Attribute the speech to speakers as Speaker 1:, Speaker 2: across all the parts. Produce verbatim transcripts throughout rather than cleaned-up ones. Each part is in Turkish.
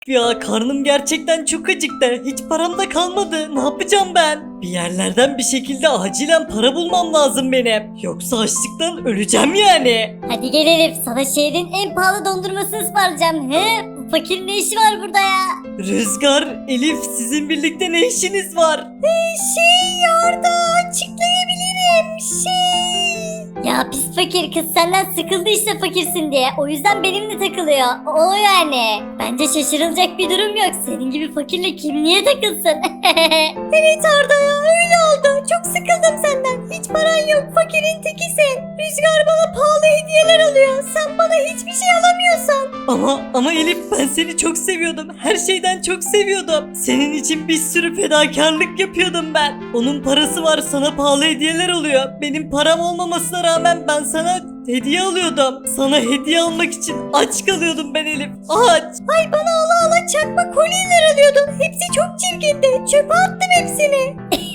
Speaker 1: Ya karnım gerçekten çok acıktı. Hiç param da kalmadı. Ne yapacağım ben? Bir yerlerden bir şekilde acilen para bulmam lazım benim. Yoksa açlıktan öleceğim yani.
Speaker 2: Hadi gel Elif, sana şehrin en pahalı dondurmasını ısmarlayacağım. He? Bu fakirin ne işi var burada ya?
Speaker 1: Rüzgar, Elif sizin birlikte ne işiniz var?
Speaker 2: Şey orada açıklayabilirim şey. Ya pis fakir, kız senden sıkıldı işte fakirsin diye. O yüzden benimle takılıyor. O yani. Bence şaşırılacak bir durum yok. Senin gibi fakirle kim niye takılsın? Evet Arda ya, öyle oldu. Çok sıkıldım senden. Hiç paran yok, fakirin tekisin. Rüzgar bana pahalı hediyeler alıyor. Sen bana hiçbir şey alamıyorsan.
Speaker 1: Ama ama Elif ben seni çok seviyordum. Her şeyden çok seviyordum. Senin için bir sürü fedakarlık yapıyordum ben. Onun parası var, sana pahalı hediyeler oluyor. Benim param olmamasına rağmen ben sana hediye alıyordum. Sana hediye almak için aç kalıyordum ben Elif. Aç.
Speaker 2: Ay bana ala ala çakma kolyeler alıyordun. Hepsi çok çirkindi. Çöpe attım hepsini.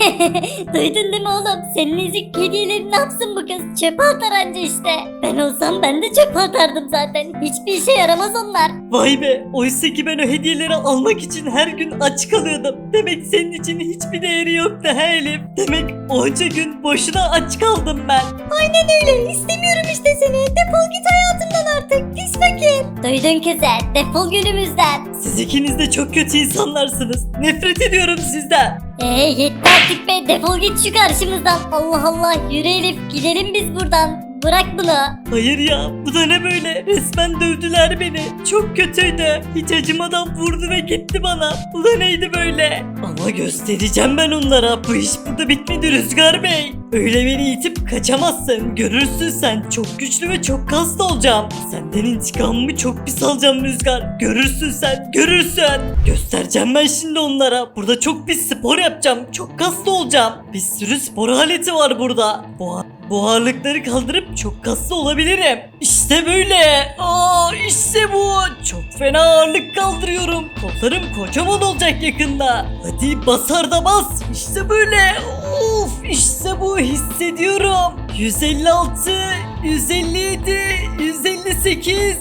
Speaker 2: Duydun değil mi oğlum? Senin ezik hediyelerini ne yapsın bu kız? Çöpe atar anca işte. Ben olsam ben de çöpe atardım zaten. Hiçbir işe yaramaz onlar.
Speaker 1: Vay be, oysa ki ben o hediyeleri almak için her gün aç kalıyordum. Demek senin için hiçbir değeri yoktu he Elif. Demek onca gün boşuna aç kaldım ben.
Speaker 2: Aynen öyle. İstemiyorum işte seni. Defol git hayatımdan artık. Pis fakir. Duydun kızı. Defol günümüzden.
Speaker 1: Siz ikiniz de çok kötü insanlarsınız. Nefret ediyorum sizden.
Speaker 2: Eee yetti artık be. Defol git şu karşımızdan. Allah Allah. Yürü Elif. Gidelim biz buradan. Bırak bunu.
Speaker 1: Hayır ya, bu da ne böyle? Resmen dövdüler beni. Çok kötüydü. Hiç acımadan vurdu ve gitti bana. Bu da neydi böyle? Ama göstereceğim ben onlara. Bu iş burada bitmedi Rüzgar Bey. Öyle beni itip kaçamazsın. Görürsün sen. Çok güçlü ve çok kaslı olacağım. Senden intikamımı çok pis alacağım Rüzgar. Görürsün sen. Görürsün. Göstereceğim ben şimdi onlara. Burada çok pis spor yapacağım. Çok kaslı olacağım. Bir sürü spor aleti var burada. Bu Bu ağırlıkları kaldırıp çok kaslı olabilirim. İşte böyle. Aa, işte bu. Çok fena ağırlık kaldırıyorum. Kollarım kocaman olacak yakında. Hadi basar da bas. İşte böyle. Of, işte bu, hissediyorum. yüz elli altı, yüz elli yedi, yüz elli sekiz.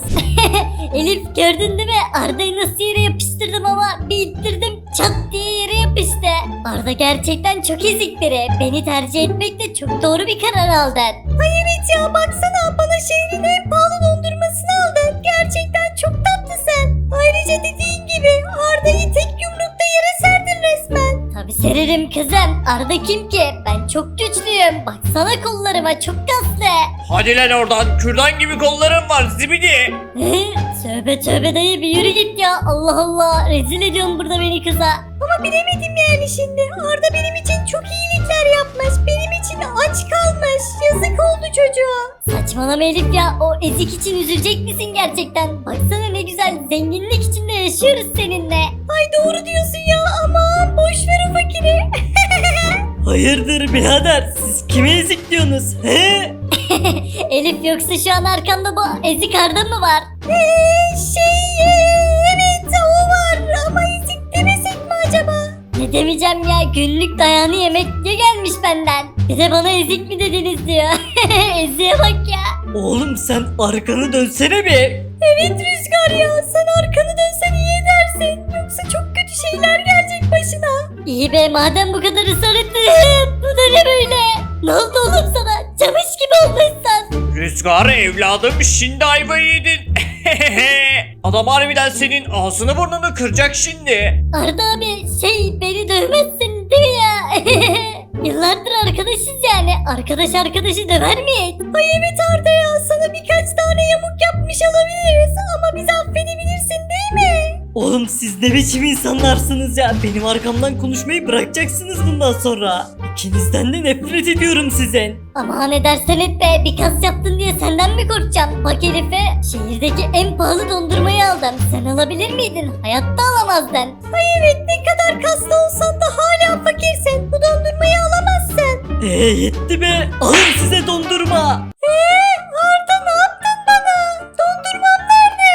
Speaker 2: Elif gördün değil mi? Arda'yı nasıl yere yapıştırdım ama bir ittirdim çat diye yere yapıştı. Arda gerçekten çok ezik biri. Beni tercih etmekle çok doğru bir karar aldın. Ay evet ya, baksana bana şehrin en pahalı dondurmasını aldın. Gerçekten çok tatlısın. Ayrıca dediğin gibi Arda'yı tek yumrukta yere serdin resmen. Tabi sererim kızım. Arda kim ki? Ben çok güçlüyüm. Baksana kollarıma, çok kaslı.
Speaker 3: Hadi lan oradan, kürdan gibi kolların var zibidi.
Speaker 2: Hı? Tövbe tövbe dayı, bir yürü git ya. Allah Allah, rezil ediyorsun burada beni kıza. Ama bilemedim yani şimdi. Arda benim için çok iyilikler yapmış. Benim için aç kalmış. Yazık oldu çocuğa. Saçmalama Elif ya. O ezik için üzülecek misin gerçekten? Baksana ne güzel zenginlik içinde yaşıyoruz seninle. Ay doğru diyorsun ya, aman boş ver o fakiri.
Speaker 1: Hayırdır birader? Siz kime ezik diyorsunuz? He?
Speaker 2: Elif, yoksa şu an arkamda bu ezik Arda mı var? Eee şey evet o var ama ezik demesek mi acaba? Ne demeyeceğim ya, günlük dayağını yemek diye gelmiş benden. Bir de bana ezik mi dediniz diyor. Eziğe bak ya.
Speaker 1: Oğlum sen arkanı dönsene bir.
Speaker 2: Evet Rüzgar ya, sen arkanı dönsen iyi edersin. Yoksa çok kötü şeyler gelecek başına. İyi be, madem bu kadar ısrar ettin. Bu da ne böyle? Ne oldu oğlum sana? Camış gibi olmuşsun.
Speaker 3: Rüzgar evladım, şimdi ayvayı yedin. Adam harbiden senin ağzını burnunu kıracak şimdi.
Speaker 2: Arda abi, şey, beni dövmezsin değil mi ya? Yıllardır arkadaşız yani. Arkadaş arkadaşı döver mi? Ay evet Arda ya, sana birkaç tane yamuk yapmış olabiliriz ama bizi affedebilirsin değil mi?
Speaker 1: Oğlum siz ne biçim insanlarsınız ya? Benim arkamdan konuşmayı bırakacaksınız bundan sonra. İkinizden de nefret ediyorum sizin.
Speaker 2: Aman ne dersen et be, bir kas yaptın diye senden mi korkacağım? Bak Elif'e şehirdeki en pahalı dondurmayı aldım. Sen alabilir miydin? Hayatta alamazdın. Ay evet, ne kadar kaslı olsan da hala fakirsin. Bu dondurmayı alamazsın.
Speaker 1: Eee yetti be. Alın size dondurma.
Speaker 2: Eee Arda, ne yaptın bana? Dondurmam nerede?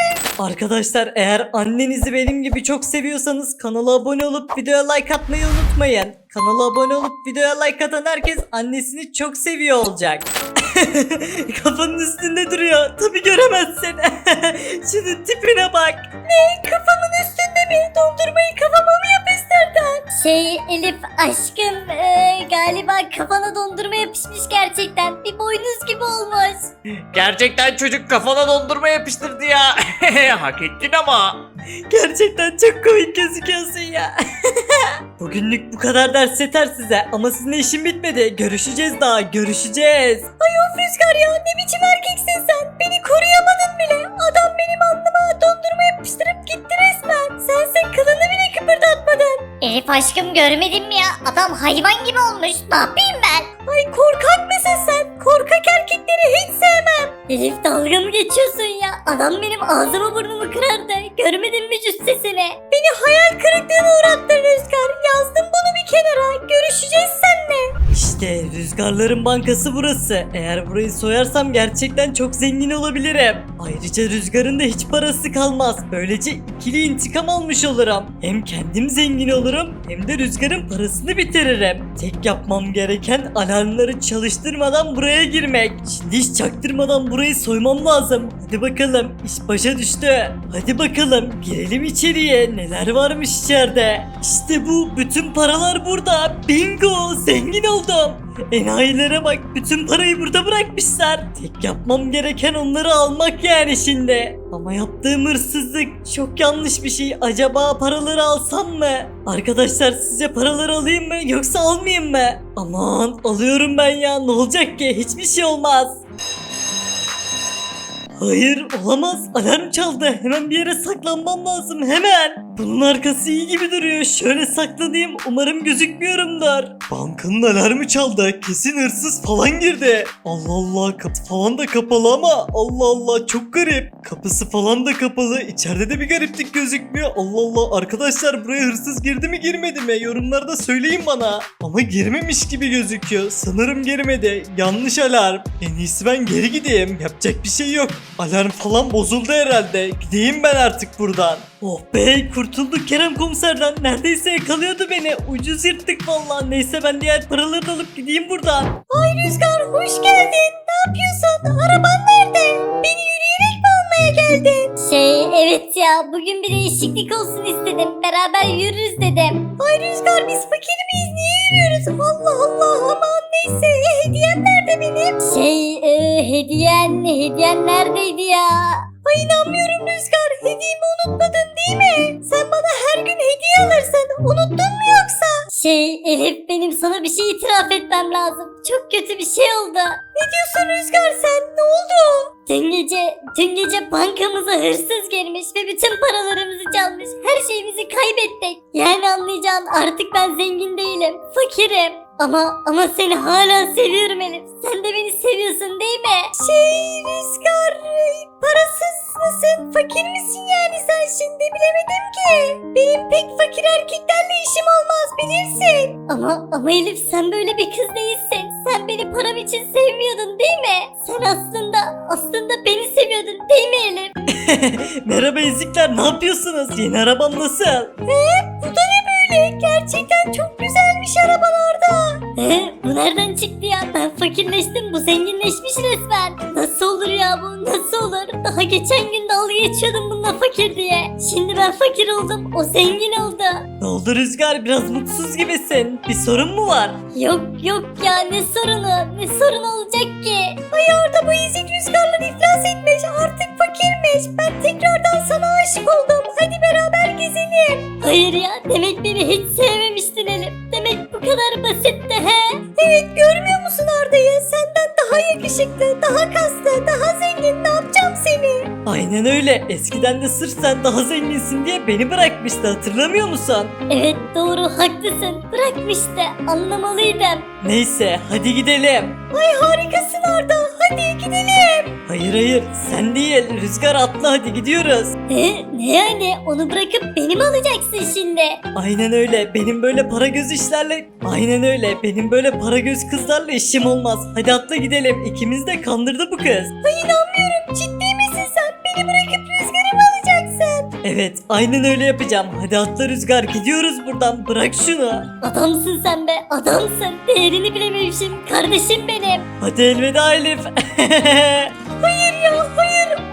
Speaker 1: Arkadaşlar eğer annenizi benim gibi çok seviyorsanız kanala abone olup videoya like atmayı unutmayın. Kanala abone olup videoya like atan herkes annesini çok seviyor olacak. Kafanın üstünde duruyor. Tabii göremezsin. Şunun tipine bak. Ne? Kafamın üstünde mi? Dondurmayı kafama mı yapıştırdın?
Speaker 2: Şey Elif aşkım e, galiba kafana dondurma yapışmış gerçekten. Bir boynuz gibi olmuş.
Speaker 3: Gerçekten çocuk kafana dondurma yapıştırdı ya. Hak ettin ama.
Speaker 1: Gerçekten çok komik gözüküyorsun ya. Bugünlük bu kadar ders yeter size ama sizin işin bitmedi. Görüşeceğiz daha, görüşeceğiz. Ay of Rüzgar ya, ne biçim erkeksin sen? Beni koruyamadın bile. Adam benim alnıma dondurma yapıştırıp gitti resmen. Sense kılını bile kıpırdatmadın.
Speaker 2: Elif aşkım görmedin mi ya? Adam hayvan gibi olmuş. Ne yapayım ben?
Speaker 1: Ay korkak mısın sen? Korkak erkekleri hiç sevmem.
Speaker 2: Elif dalga mı geçiyorsun ya? Adam benim ağzımı burnumu kırardı. Görmedin mi cüssesini?
Speaker 1: Beni hayal kırıklığına uğrattın Rüzgar. Yazdım bunu bir kenara. Görüşeceğiz seninle. İşte Rüzgarların Bankası burası. Eğer burayı soyarsam gerçekten çok zengin olabilirim. Ayrıca Rüzgar'ın da hiç parası kalmaz. Böylece ikili intikam almış olurum. Hem kendim zengin olurum hem de Rüzgar'ın parasını bitiririm. Tek yapmam gereken alarmları çalıştırmadan buraya girmek. Şimdi hiç çaktırmadan burayı soymam lazım. Hadi bakalım, iş başa düştü. Hadi bakalım girelim içeriye. Neler varmış içeride? İşte bu, bütün paralar burada. Bingo, zengin oldum. Enayilere bak, bütün parayı burada bırakmışlar. Tek yapmam gereken onları almak yani şimdi. Ama yaptığım hırsızlık çok yanlış bir şey. Acaba paraları alsam mı? Arkadaşlar sizce paraları alayım mı yoksa almayayım mı? Aman alıyorum ben ya, ne olacak ki, hiçbir şey olmaz. Hayır olamaz, alarm çaldı, hemen bir yere saklanmam lazım, hemen. Bunun arkası iyi gibi duruyor, şöyle saklanayım, umarım gözükmüyorumdur. Bankanın alarmı çaldı, kesin hırsız falan girdi. Allah Allah, kapı falan da kapalı ama Allah Allah, çok garip. Kapısı falan da kapalı, içeride de bir gariplik gözükmüyor. Allah Allah, arkadaşlar buraya hırsız girdi mi girmedi mi, yorumlarda söyleyin bana. Ama girmemiş gibi gözüküyor, sanırım girmedi, yanlış alarm. En iyisi ben geri gideyim, yapacak bir şey yok. Alarm falan bozuldu herhalde. Gideyim ben artık buradan. Oh be, kurtulduk Kerem komiserden. Neredeyse yakalıyordu beni. Ucuz yırttık vallahi. Neyse ben diğer paraları da alıp gideyim buradan. Ay Rüzgar, hoş geldin. Ne yapıyorsun? Araban nerede? Beni yürüyerek mi almaya geldin?
Speaker 2: Şey evet ya bugün bir değişiklik olsun istedim. Beraber yürürüz dedim.
Speaker 1: Ay Rüzgar, biz fakir miyiz? Niye yürüyoruz? Allah Allah, aman neyse. E, hediyem nerede benim?
Speaker 2: Şey e, hediyen hediyen neredeydi ya?
Speaker 1: Ay inanmıyorum Rüzgar. Hediyemi unutmadın değil mi? Sen bana her gün hediye alırsın. Unuttun mu yoksa?
Speaker 2: Şey Elif benim sana bir şey itiraf etmem lazım. Çok kötü bir şey oldu.
Speaker 1: Ne diyorsun Rüzgar sen? Ne oldu?
Speaker 2: Dün gece, dün gece bankamıza hırsız girmiş ve bütün paralarımızı çalmış. Her şeyimizi kaybettik. Yani anlayacağın artık ben zengin değilim. Fakirim. Ama ama seni hala seviyorum Elif. Sen de beni seviyorsun değil mi?
Speaker 1: Şey Rüzgar, parasız mısın? Fakir misin yani sen şimdi? Bilemedim ki. Benim pek fakir erkeklerle işim olmaz, bilirsin.
Speaker 2: Ama ama Elif sen böyle bir kız değilsin. Sen beni param için sevmiyordun değil mi? Sen aslında aslında beni seviyordun değil mi Elif?
Speaker 1: Merhaba ezikler, ne yapıyorsunuz? Yeni arabam nasıl? He, bu da ne böyle? Gerçekten çok güzelmiş arabalarda.
Speaker 2: Ee, bu nereden çıktı ya? Ben fakirleştim, bu zenginleşmiş resmen. Nasıl olur ya bu? Nasıl olur? Daha geçen gün dalga geçiyordum bununla fakir diye. Şimdi ben fakir oldum, o zengin oldu.
Speaker 1: Ne oldu Rüzgar, biraz mutsuz gibisin. Bir sorun mu var?
Speaker 2: Yok yok ya ne sorunu? Ne sorun olacak ki?
Speaker 1: Ay orada bu ezik Rüzgarlar iflas etmiş, artık fakirmiş. Ben tekrardan sana aşık oldum. Hadi beraber gezelim.
Speaker 2: Hayır ya, demek beni hiç sevmemiştin Elif. Demek bu kadar basitti he?
Speaker 1: Evet, görmüyor musun Arda'yı? Senden daha yakışıklı, daha kaslı, daha zengin. Ne yapacağım seni? Aynen öyle. Eskiden de sırf sen daha zenginsin diye beni bırakmıştı, hatırlamıyor musun?
Speaker 2: Evet doğru haklısın. Bırakmıştı. Anlamalıydım.
Speaker 1: Neyse hadi gidelim. Ay harikasın Arda. Hadi gidelim. Hayır hayır, sen değil. Rüzgar atla, hadi gidiyoruz.
Speaker 2: Ne? Ne yani? Onu bırakıp beni mi alacaksın şimdi?
Speaker 1: Aynen öyle. Benim böyle para göz işlerle... Aynen öyle. Benim böyle para göz kızlarla işim olmaz. Hadi atla gidelim. İkimiz de kandırdı bu kız. Ay inanmıyorum. Ciddi misin sen? Beni bırakıp Rüzgar'ı mı alacaksın? Evet aynen öyle yapacağım. Hadi atla Rüzgar gidiyoruz buradan. Bırak şunu.
Speaker 2: Adamsın sen be adamsın. Değerini bilememişim kardeşim benim.
Speaker 1: Hadi elveda Elif.
Speaker 2: Hayır ya hayır.